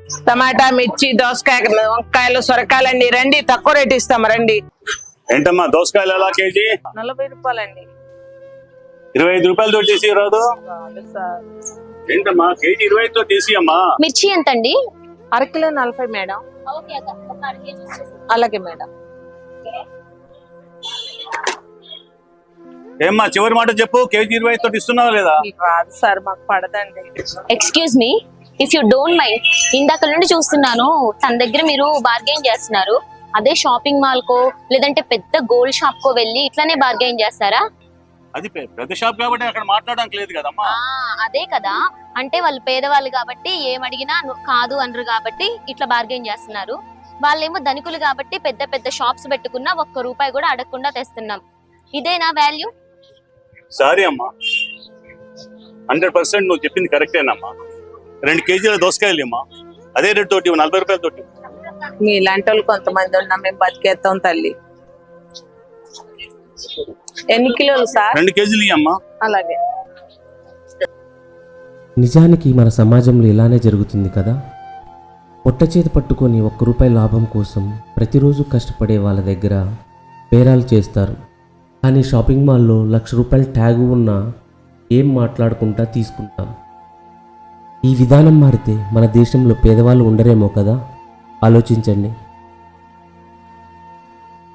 టమాటా, మిర్చి, దోసకాయ, వంకాయలు, సొరకాయలండి. రండి, తక్కువ రేటు ఇస్తాం, రండి. ఏంటమ్మా దోసకాయలు ఎలా కేజీ? 40 రూపాయలండి. 25 రూపాయలతో తీసి రాదు? ఏంటమ్మా కేజీ 25తో తీసి అమ్మా. మిర్చి ఎంత అండి? అరకిలో 40 మేడం. అలాగే మేడం. ఏమ్మా చివరి మాట చెప్పు, కేజీ 25తో ఇస్తున్నావా లేదా? రాదు సార్, మాకు పడదండి. Excuse me, if you don't mind, ఇందాక నుండి చూస్తున్నాను తన దగ్గర మీరు బార్గెయిన్ చేస్తున్నారు. అదే షాపింగ్ మాల్ కో లేదంటే పెద్ద గోల్డ్ షాప్ కో వెళ్ళి ఇట్లానే బార్గెయిన్ చేస్తారా? అది పెద్ద షాప్ కాబట్టి అక్కడ మాట్లాడడానికి లేదు కదమ్మా. అదే కదా, అంటే వాళ్ళు పేదవాళ్ళు కాబట్టి ఏమడిగినా కాదు అనరు కాబట్టి ఇట్లా బార్గెయిన్ చేస్తున్నారు. వాళ్ళేమో ధనికులు కాబట్టి పెద్ద పెద్ద షాప్స్ పెట్టుకున్నా ₹1 కూడా అడగకుండా తెస్తున్నాం. ఇదేనా వాల్యూ? సారీ అమ్మా, 100% నువ్వు చెప్పింది కరెక్టేనమ్మా. 2 కేజీల దోసకాయలు అమ్మా, అదే రేటు తోటి 40 రూపాయలతోటి. మీ ఇలాంటి వాళ్ళు కొంతమంది ఉన్నాం, మేము బతికేస్తాం తల్లి. ఎన్ని కిలోలు సార్? 2 కేజీలు అమ్మా. అలాగే. నిజానికి మన సమాజంలో ఇలానే జరుగుతుంది కదా. పొట్ట చేతి పట్టుకొని ₹1 లాభం కోసం ప్రతిరోజు కష్టపడే వాళ్ళ దగ్గర బేరాలు చేస్తారు. కానీ షాపింగ్ మాల్లో ₹1,00,000 ట్యాగు ఉన్నా ఏం మాట్లాడుకుంటా తీసుకుంటాం. ఈ విధానం మారితే మన దేశంలో పేదవాళ్ళు ఉండరేమో కదా. ఆలోచించండి.